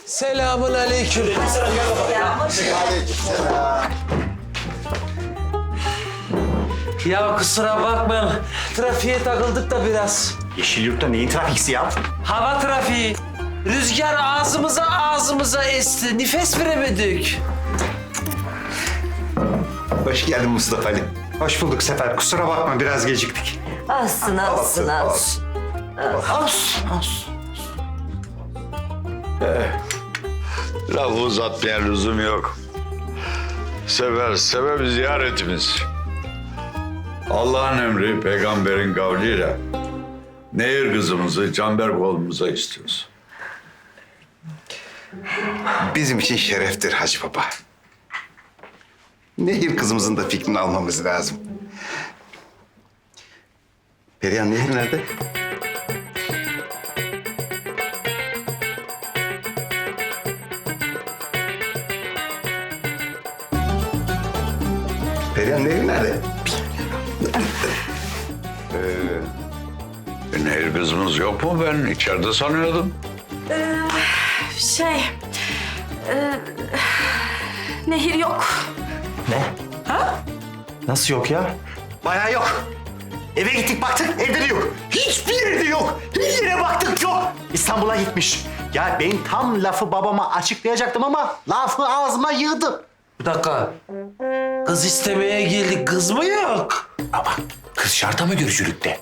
Selamun aleyküm. Ya kusura bakmayın. Trafiğe takıldık da biraz. Yeşilyurt'ta neyin trafiksi ya? Hava trafiği. Rüzgar ağzımıza esti. Nefes veremedik. Hoş geldin Mustafa Ali. Hoş bulduk Sefer. Kusura bakma biraz geciktik. Alsın. Lafı uzatmaya lüzum yok. Sebep ziyaretimiz. Allah'ın emri peygamberin kavliyle Nehir kızımızı Canberk oğlumuza istiyoruz. Bizim için şereftir Hacı Baba. Nehir kızımızın da fikrini almamız lazım. Perihan Nehir nerede? Perihan Nehir nerede? Nehir kızımız yok mu? Ben içeride sanıyordum. Nehir yok. Nasıl yok ya? Bayağı yok. Eve gittik baktık evde de yok. Hiçbir yerde yok. Her yere baktık yok. İstanbul'a gitmiş. Ya ben tam lafı babama açıklayacaktım ama lafı ağzıma yığdı. Bir dakika. Kız istemeye geldik. Kız mı yok? Baba, kız şarta mı görüşürükte?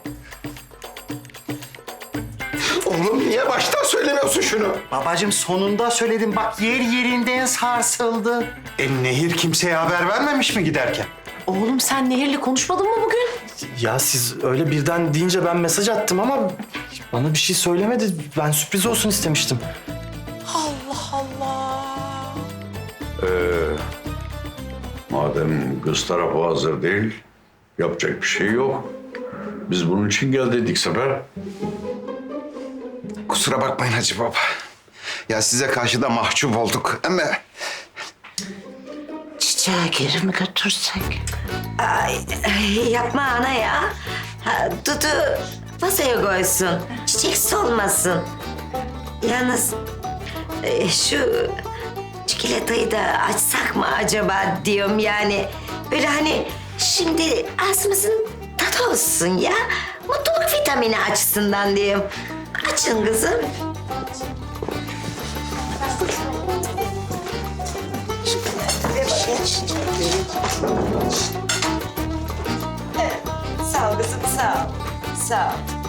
Oğlum niye baştan söylemiyorsun şunu? Babacığım sonunda söyledim bak yer yerinden sarsıldı. Nehir kimseye haber vermemiş mi giderken? Oğlum sen Nehir'le konuşmadın mı bugün? Ya siz öyle birden deyince ben mesaj attım ama bana bir şey söylemedi. Ben sürpriz olsun istemiştim. Madem kız tarafı hazır değil, yapacak bir şey yok. Biz bunun için geldik Sefer. Kusura bakmayın Hacı Baba. Ya size karşı da mahcup olduk ama... Çiçeğe geri mi götürsek? Ay, yapma ana ya. Dudu masaya koysun. Çiçek solmasın. Yalnız şu çikolatayı da açsak mı acaba diyorum yani. Böyle hani şimdi ağzımızın tadı olsun ya. Mutluluk vitamini açısından diyorum. Açın kızım. Sağ ol kızım, sağ ol. Sağ ol.